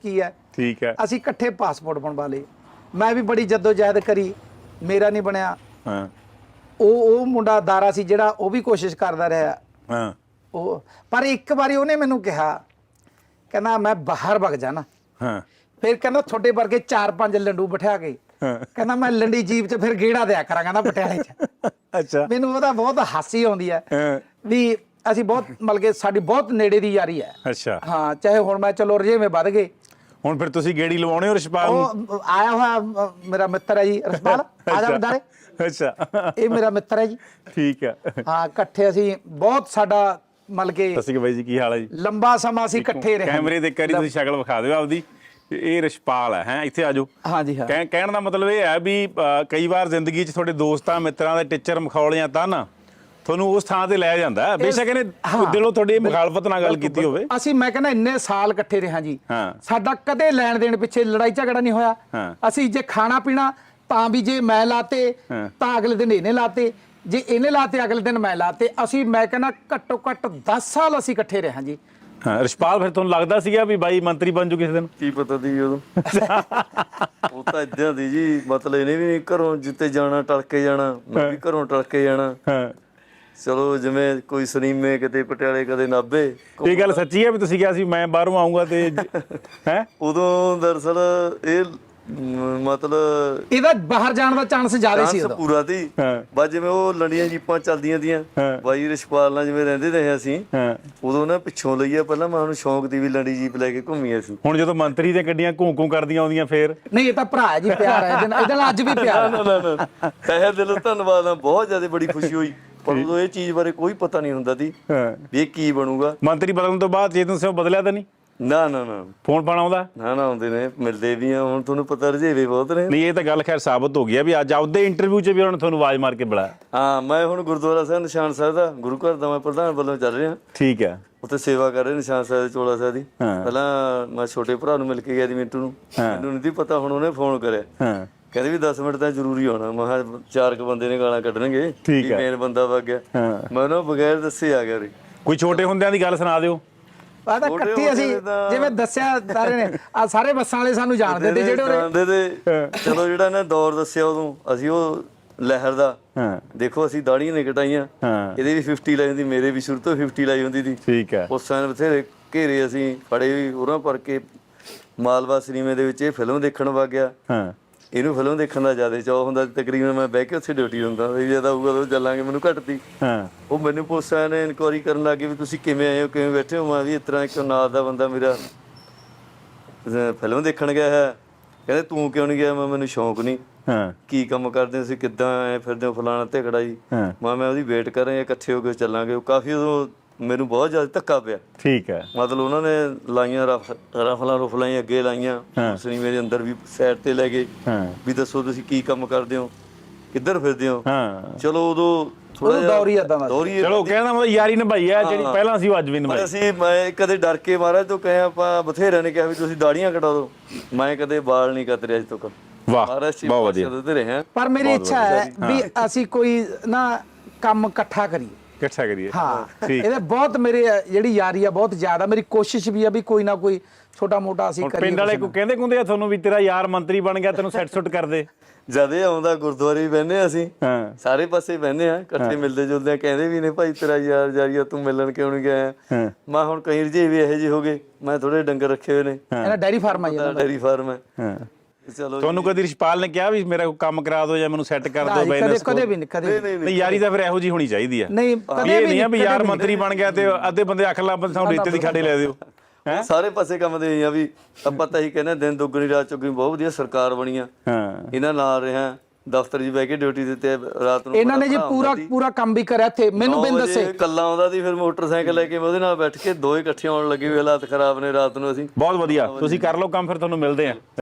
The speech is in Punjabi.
की है। ठीक है। ਅਸੀਂ ਇਕੱਠੇ ਪਾਸਪੋਰਟ ਬਣਵਾ ਲਏ। ਮੈਂ ਵੀ ਬੜੀ ਜਦੋਜਹਿਦ ਕਰੀ, ਮੇਰਾ ਨਹੀਂ ਬਣਿਆ। ਹਾਂ ਉਹ ਮੁੰਡਾ ਦਾਰਾ ਸੀ ਜਿਹੜਾ, ਉਹ ਵੀ ਕੋਸ਼ਿਸ਼ ਕਰਦਾ ਰਿਹਾ। ਹਾਂ ਉਹ ਪਰ ਇੱਕ ਵਾਰੀ ਉਹਨੇ ਮੈਨੂੰ ਕਿਹਾ, ਕਹਿੰਦਾ ਮੈਂ ਬਾਹਰ ਵਗ ਜਾਣਾ। ਹਾਂ ਫਿਰ ਕਹਿੰਦਾ ਤੁਹਾਡੇ ਵਰਗੇ 4-5 ਲੰਡੂ ਬਿਠਾ ਕੇ, ਕਹਿੰਦਾ ਮੈਂ ਲੰਡੀ ਜੀਪ 'ਚ ਫਿਰ ਗੇੜਾ ਦਿਆ ਕਰਾਂ, ਕਹਿੰਦਾ ਪਟਿਆਲੇ 'ਚ। ਅੱਛਾ। ਮੈਨੂੰ ਉਹਦਾ ਬਹੁਤ ਹਾਸੀ ਆਉਂਦੀ ਹੈ ਵੀ ਅਸੀਂ ਬਹੁਤ ਮਤਲਬ ਕਿ ਸਾਡੀ ਬਹੁਤ ਨੇੜੇ ਦੀ ਯਾਰੀ ਹੈ। ਅੱਛਾ। ਹਾਂ, ਚਾਹੇ ਹੁਣ ਮੈਂ ਚਲੋ ਰਜੇਵੇਂ ਵੱਧ ਗਏ। ਹੁਣ ਫਿਰ ਤੁਸੀਂ ਗੇੜੀ ਲਵਾਉਣੇ ਹੋ ਰਿਸ਼ਪਾਲ ਨੂੰ? ਉਹ ਆਇਆ ਹੋਇਆ ਮੇਰਾ ਮਿੱਤਰ ਹੈ ਜੀ ਰਸਪਾਲ, ਆ ਜਾ ਬੰਦਾਰੇ। ਅੱਛਾ, ਇਹ ਮੇਰਾ ਮਿੱਤਰ ਹੈ ਜੀ। ਠੀਕ ਹੈ। ਹਾਂ, ਇਕੱਠੇ ਅਸੀਂ ਬਹੁਤ ਸਾਡਾ ਮਤਲਬ ਕਿ ਸਤਿ ਸ਼੍ਰੀ ਅਕਾਲ ਬਾਈ ਜੀ, ਕੀ ਹਾਲ ਹੈ ਜੀ? ਲੰਬਾ ਸਮਾਂ ਅਸੀਂ ਇਕੱਠੇ ਰਹੇ। ਕੈਮਰੇ ਦੇ ਕਰੀ ਤੁਸੀਂ ਸ਼ਕਲ ਵਿਖਾ ਦਿਓ ਆਪਦੀ। ਇਹ ਰਿਸ਼ਪਾਲ ਹੈ, ਇੱਥੇ ਆ ਜਾਓ। ਹਾਂਜੀ ਹਾਂ। ਕਹਿਣ ਦਾ ਮਤਲਬ ਇਹ ਹੈ ਵੀ ਕਈ ਵਾਰ ਜ਼ਿੰਦਗੀ 'ਚ ਤੁਹਾਡੇ ਦੋਸਤਾਂ ਮਿੱਤਰਾਂ ਦੇ ਟੀਚਰ ਮਖੌਲਿਆਂ ਤਾਂ ਨਾ ਤੁਹਾਨੂੰ ਉਸ ਥਾਂ ਤੇ ਲੈ ਜਾਂਦਾ, ਬੇਸ਼ੱਕ ਇਹਨੇ ਦਿਲੋਂ ਤੁਹਾਡੀ ਮੁਖਾਲਫਤ ਨਾਲ ਗੱਲ ਕੀਤੀ ਹੋਵੇ। ਅਸੀਂ ਮੈਂ ਕਹਿੰਦਾ ਇੰਨੇ ਸਾਲ ਇਕੱਠੇ ਰਹੇ ਜੀ, ਹਾਂ। ਸਾਡਾ ਕਦੇ ਲੈਣ ਦੇਣ ਪਿੱਛੇ ਲੜਾਈ ਝਗੜਾ ਨਹੀਂ ਹੋਇਆ। ਹਾਂ। ਅਸੀਂ ਜੇ ਖਾਣਾ ਪੀਣਾ ਤਾਂ ਵੀ ਜੇ ਮੈਂ ਲਾਤੇ ਤਾਂ ਅਗਲੇ ਦਿਨ ਇਹਨੇ ਲਾਤੇ, ਜੇ ਇਹਨੇ ਲਾਤੇ ਅਗਲੇ ਦਿਨ ਮੈਂ ਲਾਤੇ। ਅਸੀਂ ਮੈਂ ਕਹਿੰਦਾ ਘੱਟੋ ਘੱਟ 10 ਸਾਲ ਅਸੀਂ ਇਕੱਠੇ ਰਹੇ ਜੀ। ਹਾਂ। ਰਿਸ਼ਪਾਲ ਫਿਰ ਤੁਹਾਨੂੰ ਲੱਗਦਾ ਸੀਗਾ ਵੀ ਬਾਈ ਮੰਤਰੀ ਬਣ ਜੂ ਕਿਸੇ ਦਿਨ? ਕੀ ਪਤਾ ਦੀ ਉਦੋਂ ਉਹ ਤਾਂ ਇਦਾਂ ਦੀ ਜੀ, ਮਤਲਬ ਇਹਨੇ ਵੀ ਘਰੋਂ ਜਿੱਤੇ ਜਾਣਾ ਟਲ ਕੇ ਜਾਣਾ, ਮੈਂ ਵੀ ਘਰੋਂ ਟਲ ਕੇ ਜਾਣਾ। ਹਾਂ। ਚਲੋ ਜਿਵੇਂ ਕੋਈ ਸਨੀਮੇ ਕਿਤੇ ਪਟਿਆਲੇ ਕਦੇ ਨਾਭੇ। ਇਹ ਗੱਲ ਸੱਚੀ ਹੈ ਵੀ ਤੁਸੀਂ ਕਿਹਾ ਸੀ ਮੈਂ ਬਾਹਰੋਂ ਆਉਂਗਾ ਤੇ ਹੈ? ਉਦੋਂ ਦਰਅਸਲ ਇਹ ਮਤਲਬ ਇਹਦਾ ਬਾਹਰ ਜਾਣ ਦਾ ਚਾਂਸ ਜ਼ਿਆਦਾ ਸੀ ਉਦੋਂ। ਪੂਰਾ ਸੀ। ਬਸ ਜਿਵੇਂ ਉਹ ਲੰਡੀਆਂ ਜੀਪਾਂ ਚੱਲਦੀਆਂ ਦੀਆਂ ਬਾਈ ਰਿਸ਼ਪਾਲ ਨਾਲ ਜਿਵੇਂ ਰਹਿੰਦੇ ਰਹੇ ਅਸੀਂ, ਉਦੋਂ ਨਾ ਪਿੱਛੋਂ ਲਈਆ। ਪਹਿਲਾਂ ਮੈਂ ਉਹਨੂੰ ਸ਼ੌਂਕ ਦੀ ਵੀ ਲੰਡੀ ਜੀਪ ਲੈ ਕੇ ਘੁੰਮੀ ਅਸੀਂ। ਹੁਣ ਜਦੋਂ ਮੰਤਰੀ ਦੀਆਂ ਗੱਡੀਆਂ ਘੂੰ ਕਰਦੀਆਂ ਆਉਂਦੀਆਂ ਫੇਰ? ਨਹੀਂ, ਇਹ ਤਾਂ ਭਰਾ ਹੈ ਜੀ, ਪਿਆਰ ਹੈ ਇਹਦੇ ਨਾਲ ਅੱਜ ਵੀ ਪਿਆਰ ਹੈ। ਤਹਿ ਦਿਲੋਂ ਧੰਨਵਾਦ ਆ, ਬਹੁਤ ਜ਼ਿਆਦਾ ਬੜੀ ਖੁਸ਼ੀ ਹੋਈ। ਪਰ ਉਦੋਂ ਇਹ ਚੀਜ਼ ਬਾਰੇ ਕੋਈ ਪਤਾ ਨਹੀਂ ਹੁੰਦਾ ਸੀ ਵੀ ਇਹ ਕੀ ਬਣੂਗਾ। ਮੰਤਰੀ ਬਦਲਣ ਤੋਂ ਬਾਅਦ ਚੇਤਨ ਸਿੰਘ ਬਦਲਿਆ ਤਾਂ ਨਹੀਂ? ਨਾ ਨਾ ਨਾ, ਫੋਨ ਪਾਣਾ ਆਉਂਦਾ? ਨਾ ਨਾ, ਆਉਂਦੇ ਨੇ, ਮਿਲਦੇ ਵੀ ਆ। ਹੁਣ ਤੁਹਾਨੂੰ ਪਤਾ ਰਜੇਵੇ ਬਹੁਤ ਨੇ। ਨਹੀਂ, ਇਹ ਤਾਂ ਗੱਲ ਖੈਰ ਸਾਬਤ ਹੋ ਗਈ ਆ ਵੀ ਅੱਜ ਆਪਦੇ ਇੰਟਰਵਿਊ 'ਚ ਵੀ ਉਹਨਾਂ ਨੇ ਤੁਹਾਨੂੰ ਆਵਾਜ਼ ਮਾਰ ਕੇ ਬੁਲਾਇਆ। ਹਾਂ, ਮੈਂ ਹੁਣ ਗੁਰਦੁਆਰਾ ਸਾਹਿਬ ਨਿਸ਼ਾਨ ਸਾਹਿਬ ਦਾ ਗੁਰੂ ਘਰ ਦਾ ਮੈਂ ਪ੍ਰਧਾਨ ਵੱਲੋਂ ਚੱਲ ਰਿਹਾ। ਠੀਕ ਹੈ। ਉੱਥੇ ਸੇਵਾ ਕਰ ਰਹੇ ਨਿਸ਼ਾਨ ਸਾਹਿਬ ਦੇ ਚੋਲਾ ਸਾਹਿਬ ਦੀ। ਪਹਿਲਾਂ ਮੈਂ ਛੋਟੇ ਭਰਾ ਨੂੰ ਮਿਲ ਕੇ ਗਿਆ ਜੀ, ਮਿੰਟੂ ਨੂੰ। ਮੈਨੂੰ ਨਹੀਂ ਪਤਾ, ਹੁਣ ਉਹਨੇ ਫੋਨ ਕਰਿਆ, ਕਹਿੰਦੇ ਵੀ 10 ਮਿੰਟ ਤਾਂ ਜ਼ਰੂਰੀ ਆਉਣਾ। ਮੈਂ ਕਿਹਾ 4 ਬੰਦੇ ਨੇ ਗਾਲਾਂ ਕੱਢਣਗੇ, ਮੇਨ ਬੰਦਾ ਵਗ ਗਿਆ। ਮੈਂ ਉਹਨਾਂ ਬਗੈਰ ਦੱਸੇ ਆ ਗਿਆ ਉਰੇ। ਕੋਈ ਛੋਟੇ ਹੁੰਦਿਆਂ ਦੀ ਗੱਲ ਸੁਣਾ ਦਿਓ। ਆ ਤਾਂ ਇਕੱਠੇ ਅਸੀਂ ਜਿਵੇਂ ਦੱਸਿਆ ਸਾਰੇ ਨੇ, ਆ ਸਾਰੇ ਬੱਸਾਂ ਵਾਲੇ ਸਾਨੂੰ ਜਾਣਦੇ ਤੇ ਜਿਹੜੇ ਜਾਣਦੇ ਤੇ। ਚਲੋ ਜਿਹੜਾ ਇਹਨੇ ਦੌਰ ਦੱਸਿਆ ਉਦੋਂ, ਅਸੀਂ ਉਹ ਲਹਿਰ ਦਾ ਦੇਖੋ, ਅਸੀਂ ਦਾੜੀਆਂ ਨੇ ਕਟਾਈਆਂ। ਇਹਦੇ ਵੀ 50 ਲਾਈ ਹੁੰਦੀ, ਮੇਰੇ ਵੀ ਸ਼ੁਰੂ ਤੋਂ 50 ਲਾਈ ਹੁੰਦੀ ਸੀ। ਠੀਕ ਹੈ। ਉਸ ਸਮੇਂ ਬਥੇਰੇ ਘੇਰੇ ਅਸੀਂ ਫੜੇ ਵੀ ਉਹਨਾਂ ਪਰ ਕੇ। ਮਾਲਵਾ ਸਿਨੇਮੇ ਦੇ ਵਿੱਚ ਇਹ ਫਿਲਮ ਦੇਖਣ ਵਗ ਗਿਆ। ਇਹਨੂੰ ਫਿਲਮ ਦੇਖਣ ਦਾ ਜ਼ਿਆਦਾ ਚਾਅ ਹੁੰਦਾ। ਤਕਰੀਬਨ ਮੈਂ ਬਹਿ ਕੇ ਉੱਥੇ ਡਿਊਟੀ ਹੁੰਦਾ ਵੀ ਜਦ ਆਊਗਾ ਤਾਂ ਚੱਲਾਂਗੇ, ਮੈਨੂੰ ਘੱਟਦੀ। ਉਹ ਮੈਨੂੰ ਪੁੱਛਿਆ ਨੇ, ਇਨਕੁਆਰੀ ਕਰਨ ਲੱਗੇ ਵੀ ਤੁਸੀਂ ਕਿਵੇਂ ਆਏ ਹੋ, ਕਿਵੇਂ ਬੈਠੇ ਹੋ। ਮੈਂ ਵੀ ਇਸ ਤਰ੍ਹਾਂ ਇੱਕ ਨਾਲ ਦਾ ਬੰਦਾ ਮੇਰਾ ਫਿਲਮ ਦੇਖਣ ਗਿਆ ਹੈ। ਕਹਿੰਦੇ ਤੂੰ ਕਿਉਂ ਨਹੀਂ ਗਿਆ? ਮੈਨੂੰ ਸ਼ੌਂਕ ਨਹੀਂ। ਕੀ ਕੰਮ ਕਰਦੇ ਹੋ ਤੁਸੀਂ, ਕਿੱਦਾਂ ਆਏ ਫਿਰਦੇ ਹੋ, ਫਲਾਣਾ ਝਗੜਾ ਜੀ। ਮੈਂ ਉਹਦੀ ਵੇਟ ਕਰ ਰਿਹਾ, ਇਕੱਠੇ ਹੋ ਕੇ ਚੱਲਾਂਗੇ। ਉਹ ਕਾਫੀ ਉਦੋਂ ਮੈਨੂੰ ਬਹੁਤ ਜ਼ਿਆਦਾ ਧੱਕਾ ਪਿਆ। ਠੀਕ ਹੈ। ਮਤਲਬ ਉਹਨਾਂ ਨੇ ਲਾਈਆਂ ਰਫਲਾਂ ਹੀ ਅੱਗੇ ਲਾਈਆਂ, ਸਿਨੇਮੇ ਦੇ ਅੰਦਰ ਵੀ ਸਾਈਡ ਤੇ ਲੈ ਗਏ ਵੀ ਦੱਸੋ ਤੁਸੀਂ ਕੀ ਕੰਮ ਕਰਦੇ ਹੋ, ਕਿੱਧਰ ਫਿਰਦੇ ਹੋ। ਚਲੋ ਉਦੋਂ ਥੋੜਾ ਦੌਰੀ ਏਦਾਂ ਦਾ। ਚਲੋ ਕਹਿੰਦਾ ਮਤਲਬ ਯਾਰੀ ਨਿਭਾਈ ਹੈ ਜਿਹੜੀ ਪਹਿਲਾਂ ਸੀ ਉਹ ਅੱਜ ਵੀ ਨਿਭਾਈ। ਅਸੀਂ ਮੈਂ ਕਦੇ ਡਰ ਕੇ ਮਹਾਰਾਜ ਤੋਂ ਕਹੇ, ਆਪਾਂ ਬਥੇਰਿਆਂ ਨੇ ਕਿਹਾ ਵੀ ਤੁਸੀਂ ਦਾੜੀਆਂ ਕਟਾ ਦਿਓ, ਮੈਂ ਕਦੇ ਵਾਲ ਨਹੀਂ ਕਤਰੇ ਅੱਜ ਤੱਕ। ਵਾਹ, ਬਹੁਤ ਵਧੀਆ। ਪਰ ਮੇਰੀ ਇੱਛਾ ਹੈ ਵੀ ਅਸੀਂ ਕੋਈ ਨਾ ਕੰਮ ਇਕੱਠਾ ਕਰੀਏ। ਇਕੱਠਾ ਕਰੀਏ। ਹਾਂ, ਇਹਦੇ ਬਹੁਤ ਮੇਰੇ ਜਿਹੜੀ ਯਾਰੀ ਆ ਬਹੁਤ ਜ਼ਿਆਦਾ। ਮੇਰੀ ਕੋਸ਼ਿਸ਼ ਵੀ ਆ ਵੀ ਕੋਈ ਨਾ ਕੋਈ ਛੋਟਾ ਮੋਟਾ ਅਸੀਂ ਕਰੀਏ। ਪਿੰਡ ਵਾਲੇ ਕੋ ਕਹਿੰਦੇ ਕੁੰਦੇ ਆ ਤੁਹਾਨੂੰ ਵੀ ਤੇਰਾ ਯਾਰ ਮੰਤਰੀ ਬਣ ਗਿਆ, ਤੈਨੂੰ ਸੈੱਟ ਸੁੱਟ ਕਰਦੇ? ਜਦ ਇਹ ਆਉਂਦਾ ਗੁਰਦੁਆਰੇ ਵੀ ਬਹਿੰਦੇ ਅਸੀਂ, ਸਾਰੇ ਪਾਸੇ ਬਹਿੰਦੇ ਆ, ਇਕੱਠੇ ਮਿਲਦੇ ਜੁਲਦੇ ਆ। ਕਹਿੰਦੇ ਵੀ ਨੇ ਭਾਈ ਤੇਰਾ ਯਾਰ ਜਾਰੀਆ, ਤੂੰ ਮਿਲਣ ਕਿਉਂ ਨਹੀਂ ਗਿਆ? ਮੈਂ ਹੁਣ ਕਈ ਰਜੇ ਵੀ ਇਹੋ ਜਿਹੇ ਹੋ ਗਏ। ਮੈਂ ਥੋੜੇ ਡੰਗਰ ਰੱਖੇ ਹੋਏ ਨੇ, ਇਹਦਾ ਡੈਰੀ ਫਾਰਮ ਆ। ਡੈਰੀ ਫਾਰਮ ਹੈ। ਚਲੋ, ਤੁਹਾਨੂੰ ਕਦੀ ਰਿਸ਼ਪਾਲ ਨੇ ਕਿਹਾ ਵੀ ਮੇਰਾ ਕੋਈ ਕੰਮ ਕਰਾ ਦਿਓ ਜਾਂ ਮੈਨੂੰ ਸੈੱਟ ਕਰ ਦਿਓ? ਕਦੇ ਵੀ ਨਹੀਂ। ਯਾਰੀ ਤਾਂ ਫਿਰ ਇਹੋ ਜਿਹੀ ਹੋਣੀ ਚਾਹੀਦੀ ਆ। ਨਹੀਂ, ਕਦੇ ਵੀ ਨਹੀਂ ਆ ਵੀ ਯਾਰ ਮੰਤਰੀ ਬਣ ਗਿਆ ਤੇ ਅੱਧੇ ਬੰਦੇ ਅੱਖ ਲਾ ਸਾਨੂੰ ਰੇਤੇ ਦੀ ਖਾੜੇ ਲੈ ਦਿਓ। ਸਾਰੇ ਪਾਸੇ ਕੰਮ ਦੇ ਆ ਵੀ ਆਪਾਂ ਤਾਂ ਹੀ ਕਹਿੰਦੇ ਦਿਨ ਦੁੱਗਣੀ ਰਾਤ ਚੌਗਣੀ। ਬਹੁਤ ਵਧੀਆ ਸਰਕਾਰ ਬਣੀ ਆ, ਇਹਨਾਂ ਨਾਲ ਰਿਹਾ। ਦਫ਼ਤਰ 'ਚ ਬਹਿ ਕੇ ਡਿਊਟੀ ਦਿੱਤੇ ਰਾਤ ਨੂੰ। ਇਹਨਾਂ ਨੇ ਜੀ ਪੂਰਾ ਕੰਮ ਵੀ ਕਰਿਆ ਇੱਥੇ। ਮੈਨੂੰ ਬਿਨ ਦੱਸੇ ਕੱਲਾ ਆਉਂਦਾ ਸੀ, ਫਿਰ ਮੋਟਰਸਾਈਕਲ ਲੈ ਕੇ ਉਹਦੇ ਨਾਲ ਬੈਠ ਕੇ ਦੋਏ ਇਕੱਠੇ ਆਉਣ ਲੱਗੇ ਵੀ ਹਾਲਾਤ ਖਰਾਬ ਨੇ ਰਾਤ ਨੂੰ। ਅਸੀਂ ਬਹੁਤ ਵਧੀਆ, ਤੁਸੀਂ ਕਰ ਲਓ ਕੰਮ, ਫਿਰ ਤੁਹਾਨੂੰ ਮਿਲਦੇ ਆ।